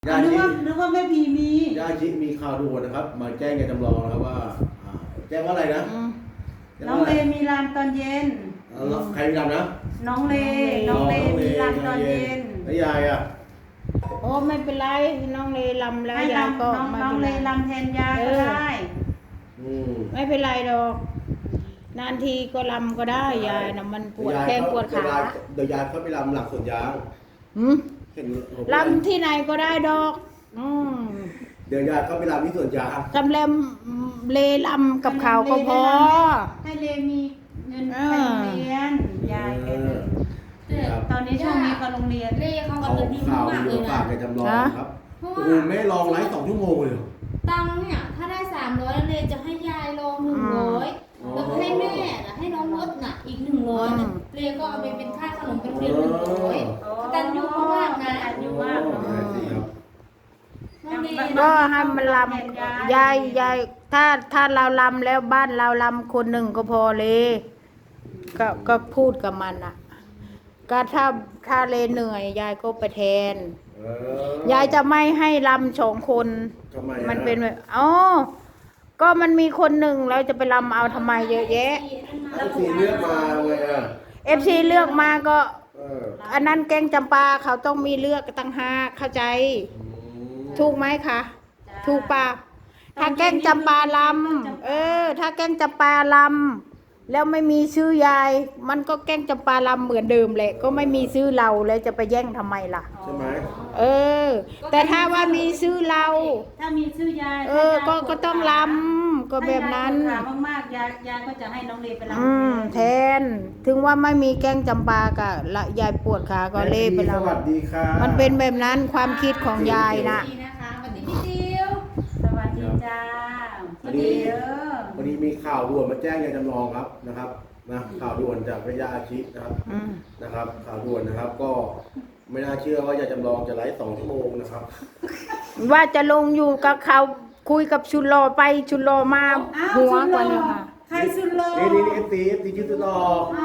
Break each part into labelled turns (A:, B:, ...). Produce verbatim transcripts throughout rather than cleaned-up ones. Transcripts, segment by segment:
A: ญา
B: นึก
A: ชิ
B: ว่านึกว่าแม่พีมี
A: ญาชิมีข่าวด่วนนะครับ มาแจ้งในจำลองนะครับว่าอ่าแจ้งว่าอะไรนะแจ้ง
B: น้อง
A: ว่าะ
B: เล
A: ไร
B: มีรามตอนเย็น
A: เอ่อใครมีรำนะ
B: น้องเลน้องเลมีรามตอนเย็น
A: แล้วยายอ่ะ
C: โอ้ไม่เป็นไรน้องเลลำแล้ว
B: ให้
C: ยาย
B: รำ
C: ก็
B: น้อง
C: ไม่
B: น้อง
C: เป็น
B: เล
C: ไร
B: รำแทนยายก็ได้
A: อืม
C: ไม่เป็นไรหรอกนานทีก็ลำก็ได้ยายนะมันปวดแข้งปวดขา
A: เดี๋ยวยายเขาไปรำหลักสวนยาง
C: หืม
A: เห็นผม
C: ลำที่ไหนก็ได้ดอกอืม
A: เดี๋ยวยายเขาไปรำที่สวนยาง
C: จำเลมเลลำกับเขาก็พอ
B: ให้เลมีเงิน
C: เอ
B: ไป
C: อ
B: โรงเรียนยายแกเลย
A: ครับ
B: ตอนนี้ช่วงนี้ก็โรงเรียน
D: เล่เขา
A: เขา
D: กำลังดี
A: ข่าว
D: มาก
A: อ
D: เล
A: ยู่
D: ย
A: ฝา
D: นะ
A: กในจำลองครับ
D: เพราะ
A: โอ้
D: ว่า
A: โหไม่ลองไลฟ์สองชั่วโมงเลยเหรอ
D: ตังค์เนี่ยถ้าได้สามร้อยเลยจะให้ยายลองหนึ่งร้อย
A: อ๋อ
D: แล้วก็ให้แม่น่ะให้น้องรถน่ะอีกหนึ่งร้อยนะเลก็เอาไปเป็นค่าขนมเป็นเรียนหนึ่งร้อยตันยูมากนะ
B: ตันยูมากเนอะ
A: โอ้สิครับ
D: น้องเล
C: ก็ให้มันลำยายยายถ้าถ้าเราลำแล้วบ้านเราลำคนหนึ่งก็พอเลยก็ก็พูดกับมันอ่ะ ก็ถ้าถ้าเลเหนื่อยยายก็ไปแทน
A: เออย
C: ายจะไม่ให้ลำสองคน
A: ทำไมอะ
C: มันเป็นแบบอ๋อก็มันมีคนหนึ่งเราจะไปลำเอาทำไมเยอะแยะ
A: ถ้าสีเลือกมาไงอ่ะ
C: เอฟซีเลือกมาก็
A: เออ
C: อันนั้นแกงจำปาเขาต้องมีเลือกตั้งห้าเข้าใจ
A: อืม
C: ถูกไหมคะถูกปะถ้าแกงจำปาลำเออ ถ้าแกงจำปาลำแล้วไม่มีชื่อยาย มันก็แกงจำปาลำเหมือนเดิมแหละ ก็ไม่มีชื่อเราแล้วจะไปแย่งทำไมล่ะ
A: ใช่ไหม
C: เออ แต่ถ้าว่ามีชื่อเรา
B: ถ้ามีชื่อยาย
C: เออ ก็ก็ต้องลำก็แบบนั้น
B: ถามมากๆยายยายก็จะให้น้องเลไปรำ
C: อืมแทน ถึงว่าไม่มีแกงจำปากะละยายปวดขาก็เล่ไป
A: ส
C: แล้ว
A: วัสดีค่ะ
C: มันเป็นแบบนั้นความคิดของยายนะ
D: ดีนะคะสวัสดีพี่ติว
B: สวัสดีจ้าพี่เด้อ
A: วันนี้มีข่าวด่วนมาแจ้งยายจำลองครับนะครับนะข่าวด่วนจากพระยาอาชินะครับ
C: อืม
A: นะครับ ข่าวด่วนนะครับ ก็ไม่น่าเชื่อว่ายายจำลองจะไลฟ์สองชั่วโมงนะครับ
C: ว่าจะลงอยู่กับเขาคุยกับชุนโลไปชุนโลมา
B: อ้าว
C: หัว
B: สุดห
C: ก
B: ล่
C: ว่า
B: อ
C: นี้ค่ะ
B: ใครสุดหล่อ
A: นี่นี่นี่เอฟซีเอฟซีชื่อตุลอ
B: อ้าว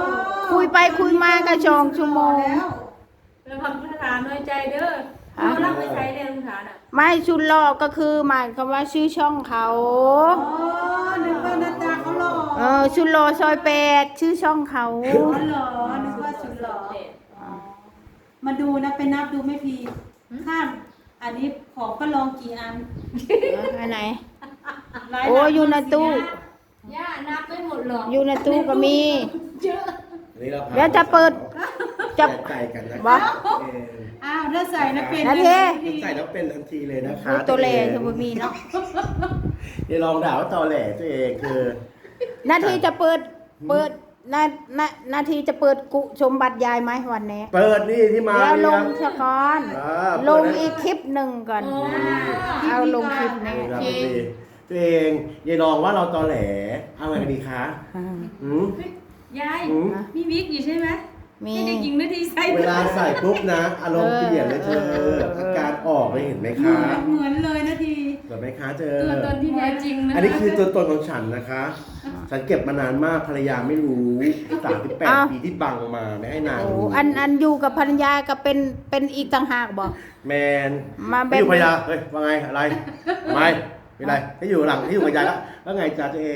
C: คุยไปคุยมาก็ชองชั่วโมง
B: แล้ว
E: แล้วคำพุทธฐานน้อยใจเด้อ
C: ฮะ
E: เรารับไปใช้เรียนพุทธฐานอ่ะ
C: ไม่ชุนโลก็คือหมายความว่าชื่อช่องเขา
B: อ๋อนึกว่าหน้าตาเขาหล่อ
C: เออชุนโลซอยแปดชื่อช่องเขา
B: อ๋อเหรอนึกว่าสุดหล่ออ๋อมาดูนะไปนับดูไม่พีข้ามอันนี้ของก็ลองกี่อัน
C: อันไหน
B: หลาย
C: โอ้อยู่ในตู้
D: ย่านับไม่หมดหรอก
C: อยู่ในตู้ก็มี
D: เยอะ
A: อันนี้เราพา
C: เดี๋ยวจะเปิดจะ
A: แจกไก่กันนะ
C: บ่
A: เออ
B: อ้าวถ้าใส่นะเป็น
C: นาที
A: ใส่แล้วเป็นทันทีเลยนะคะ
C: คือตัวเลจะบ่มีเนาะ
A: อย่าลองด่าว่าตอแหลตัวเองคือ
C: นาทีจะเปิดเปิดนานานาทีจะเปิดกุชมบัตรยายไหมวันนี้
A: เปิดนี่ที่มา
C: แล้วล
A: เนี่ย
C: งสะก้อน
A: อ่า
C: ลงอีกคลิปหนึ่งก่อน เอาลงคลิปนี้
A: นี่ครับพี่ตัวเองอย่าลองว่าเราตอแหลเอาไงกันดีคะหืม
E: ยาย
A: หืม
E: มีวิกอยู่ใช่ไหม
C: มี
E: ให้เด็กหญิงนาทีใส่
A: เวลาใส่ปุ๊บนะ อารมณ์เปลี่ยนเลยเธอ
C: เออ
A: อาการออกเลยเห็นไหม
B: เหมื
A: คะ
B: อนเหมือนเลยนาที
A: เห็นไหมคะเธอ
E: ตัวตนที่แท้จริงนะ
A: อันนี้คือตัวตนของฉันนะคะ ฉันเก็บมานานมากภรรยาไม่รู้สามสิบแปดปีที่บังมาไม่ให้นาง
C: โอ้
A: รู้
C: อันอันอยู่กับภรรยาก็เป็นเป็นอีกต่างหากบอก
A: แมน
C: มาแบบ
A: ไม่อยู่ภรรยาเฮ้ยว่าไงอะไรไม่ไม่ไรให้อยู่หลังให้อยู่กับยายแล้วว่าไงจ๊ะตัวเอง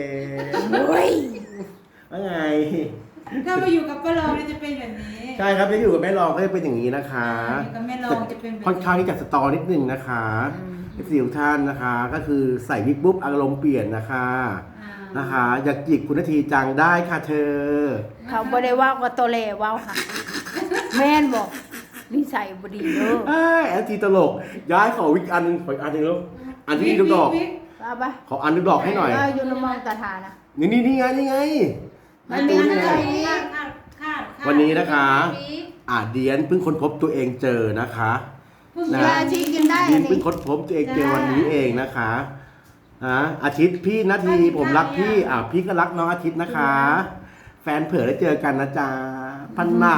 C: เฮ้ย
A: ว่าไง
B: ถ้ามาอยู่กับป้าลองเนี่ยจะเป็นแบบนี้
A: ใช่ครับจะอยู่กับแม่รองก็จะเป็นอย่างนี้นะคะ
B: อยู่กับแม่รองจะเป็นแบบ
A: ค่อนข้างที่จะสตอนิดนึงนะคะเอฟซีทุกท่านนะคะ ก็คือใส่วิกปุ๊บอารมณ์เปลี่ยนนะคะ
B: อ่า
A: นะคะ อยากจิกคุณนาทีจังได้ค่ะเธอ
C: เขาบ่ได้ว่าว่าตัวเลว่าค่ะแม่นบอกนิสัยบ่ดีเด้อ
A: เอ้ยแอนทีตลก ย้ายขอวิกอันหนึงขออีกอันหนึงลูกอันที่มีลูกดอก
B: วิก
C: ว่าปะ
A: ขออันลูกดอกให้หน่อย
C: ว่าอยู่ในมองตาทานะ
A: นี่นี่นี่ไงนี่ไง
C: มันมี
A: นี่
C: อะไร
A: ไง
B: คาดคาดคาดคาด
A: วันนี้นะคะ อ่าเดียนเพิ่งค้นพบตัวเองเจอนะคะ
B: เพิ่ง
A: นะ
C: ยาชีกินได้
A: เดีย
C: อั
A: น
C: น
A: เพิ่ง
C: นี้
A: ค้นพบตัวเองเจอวันนี้เองนะคะอ่ะอาทิตย์พี่นาทีผมรักพี่อ่าพี่ก็รักน้องอาทิตย์นะคะ แฟนเผื่อได้เจอกันนะจ๊ะพันหนัก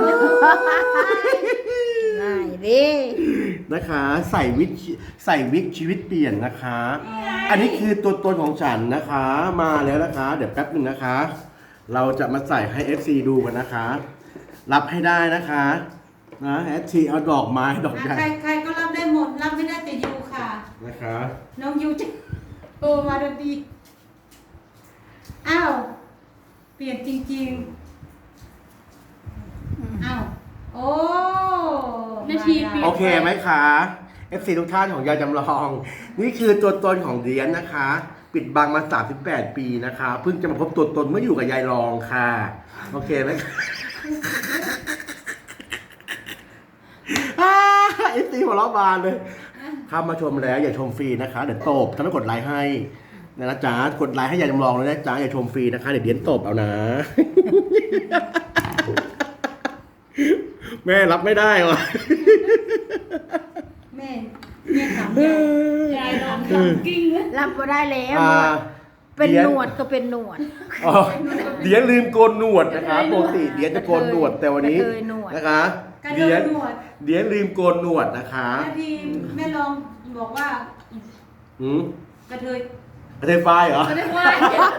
C: ง่ายดิ
A: นะคะใส่วิกใส่วิกชีวิตเปลี่ยนนะคะ อันนี้คือตัวตนของฉันนะคะ มาแล้วนะคะ เดี๋ยวแป๊บหนึ่งนะคะ เราจะมาใส่ให้ เอฟ ซี ดูกันนะคะ รับให้ได้นะคะนะ เอฟ ซี เอาดอกไม้ดอกใหญ่
B: ใครใครก็รับได้หมดน้องยูจะโทรมาทันทีอ้าวเปลี่ยนจริงๆอ้าวโอ้
E: แม่ชีเปลี่ยน
A: โอเคไหมคะ เอฟ ซี ทุกท่านของยายจำลอง นี่คือตัวตนของเดียนนะคะ ปิดบังมาสามสิบแปดปีนะคะ เพิ่งจะมาพบตัวตนเมื่ออยู่กับยายรองค่ะ โอเคไหมคะเอฟซีหัวเราะบานเลยเข้ามาชมแล้วอย่าชมฟรีนะคะ เดี๋ยวตบถ้าไม่กดไลค์ให้นะจ๊ะกดไลค์ให้ยายจำลองเลยนะจ๊ะอย่าชมฟรีนะคะเดี๋ยวเดียนตบเอานะ แม่รับไม่ได้วะ
B: แม่แม่ถามยาย
E: ยายลองทำกิ้งเลย
C: รับมาได้แล้ว
A: อ่า
C: เป็น
A: เดี๋ยว
C: หนวดก็เป็นหนวด
A: อ๋อเดียนลืมโกนหนวดนะคะปกติเดียนจะโกนหนวดแต่วันนี้
C: กระเทยหนวด
A: นะคะ
B: กระ
A: เดี
B: เดิ
A: ย
B: น
A: น
B: หนวด
A: เดียนลืมโกนหนวดนะคะ
B: แม่พีแม่ลองบอกว่า
A: หืม
B: กระเทย
A: กระเทยไฟเหรอ
E: ไม่ได้ว่า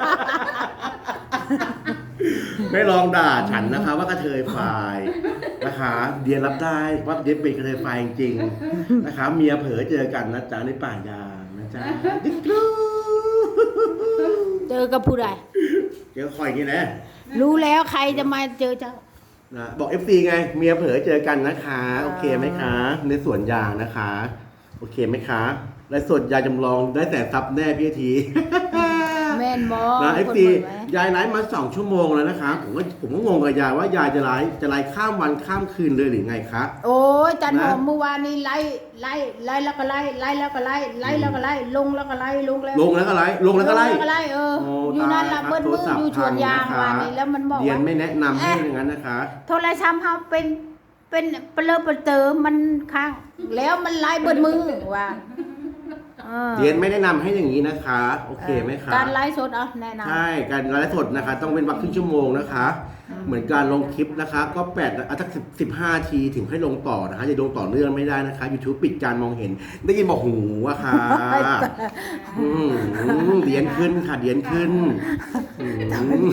A: ไม่ลองด่าฉันนะคะ ว่ากระเทยไฟนะคะ เดียนรับได้ว่าเดียนเป็นกระเทยไฟจริงๆนะคะ เมียเผลอเจอกันนะจ๊ะในป่ายางนะจ๊ะดิ๊กกรู
C: เจอกับผู้ใด
A: เจอคอยอย่างนี้นะ
C: รู้แล้วใครจะมาเจอเจ้า
A: นะบอก เอฟ ซี ไง เมียเผลอเจอกันนะคะ โอเคไหมคะ ในสวนยางนะคะ โอเคไหมคะและสวนยายจำลองได้แต่ซับแน่พี่ที
C: แม่นบอ
A: นะเอฟ
C: คน
A: ซี
C: เปิดไหม
A: ยายไลฟ์มาสองชั่วโมงแล้วนะคะ ผมก็ผมก็งงกับยายว่ายายจะไลฟ์จะไลฟ์ข้ามวันข้ามคืนเลยหรือไงคะ
C: โอ้ยจันหอม
A: นะ
C: เมื่อวานนี้ไล่ไล่ไล่แล้วก็ไล่ไล่แล้วก็ไล่ไล่แล้วก็ไล่ลงแล้วก็ไล่ลงแล้ว
A: ลงแล้วก็ไลฟ์ลงแล้วก็ไลฟ์
C: ลงแล้วก็ไล่เออ
A: โอ้
C: อยู่นั่นละ
A: ตาย
C: เบิ้ล
A: ครับ
C: มือ
A: โทรศัพท์
C: อยู่ชวนยาง
A: พังนะคะ
C: วานนี้แล้วมันบอก
A: เดียน
C: ว่า
A: ไม่แนะนำให้อย่างนั้นนะคะ
C: โทรศัพท์เขาเป็นเป็นเปลือกเปลือกเติมมันค้างแล้วมันไล่เบิ้ลมือว่าเออ
A: เดียนไม่แนะนำให้อย่างนี้นะคะ โอเคไหมคะ
C: การไลฟ์สดเอาแนะนำ
A: ใช่การไลฟ์สดนะคะ ต้องเป็นวักครึ่งชั่วโมงนะคะ เหมือนการลงคลิปนะคะ ก็แปดอ่ะสักสิบสิบห้าทีถึงให้ลงต่อนะคะจะลงต่อเนื่องไม่ได้นะคะ YouTube ปิดการมองเห็น ได้ยินบอกหูอะค่ะอืมเดียนขึ้นค่ะเดียนขึ้นอืม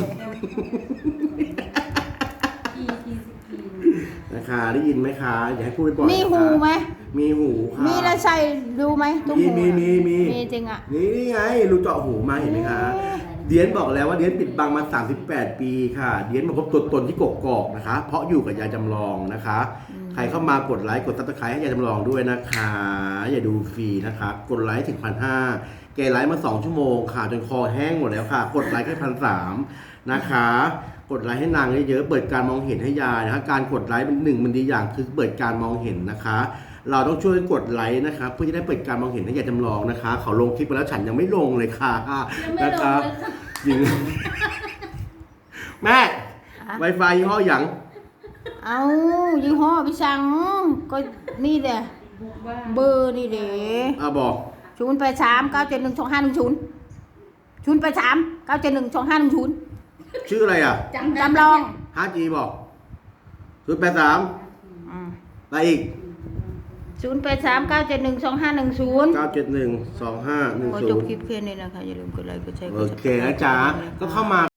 B: ทีทีสิบปี
A: นะคะได้ยินไหมคะอย่าให้พูดบ่อยๆ
C: มี
A: นะคะ
C: หูไหม
A: มีหูค่ะ
C: มีแล้วใส่ดูไหมตุ้
A: มี
C: หู
A: มีมีมี
C: มีจริงอ่ะ
A: นี่นี่ไงรูเจาะหูมาเห็นไหมคะ เดียนบอกแล้วว่าเดียนปิดบังมาสามสิบแปดปีค่ะ เดียนมาพบตัวตนที่กกอกนะคะ เพราะอยู่กับยายจำลองนะคะ ใครเข้ามากดไลค์กดซับสไครต์ให้ยายจำลองด้วยนะคะ อย่าดูฟรีนะคะ กดไลค์ถึงพันห้าแกไลค์มาสองชั่วโมงค่ะจนคอแห้งหมดแล้วค่ะ กดไลค์แค่พันสามนะคะ กดไลค์ให้นางเยอะๆเปิดการมองเห็นให้ยายนะคะการกดไลค์เป็นหนึ่งมันดีอย่างคือเปิดการมองเห็นนะคะ เราต้องช่วยกดไลค์นะคะเพื่อจะได้เปิดการมองเห็นให้ยายจำลองนะคะ เขาลงคลิปไปแล้วฉันยังไม่ลงเลยค่ะ
E: ยังไม่
A: นะ
E: ลง
A: คะ
E: เลยค่ะ
A: จริง แม่ Wi-Fi ยี่ห้อหยัง
C: เอายี่ห้อพี่สังก็นี่เด้อเบอร์นี่เด้
A: อ่ะบอก
C: ศูนย์แปดสามเก้าเจ็ดหนึ่งสองห้าหนึ่งศูนย์ศูนย์แปดสามเก้าเจ็ดหนึ่งสองห้าหนึ่งศูนย์
A: ชื่ออะไรอ่ะ
E: จำได้
C: จำลอง
A: ห้าจีบอกศูนย์แปดสามอะไรอีก
C: ศูนย์แปดสามเก้าเจ็ดหนึ่งสองห้าหนึ่งศูนย์
A: เก้าเจ็ดหนึ่งสองห้าหนึ่ง
C: ขอ
A: ศู
C: จบ
A: นย์
C: คลิปแค่นี้นะคะอย่าลืมกดไลค์กดแชร์ก
A: โอ
C: ด
A: เคนะจ๊ะก็เข้ามา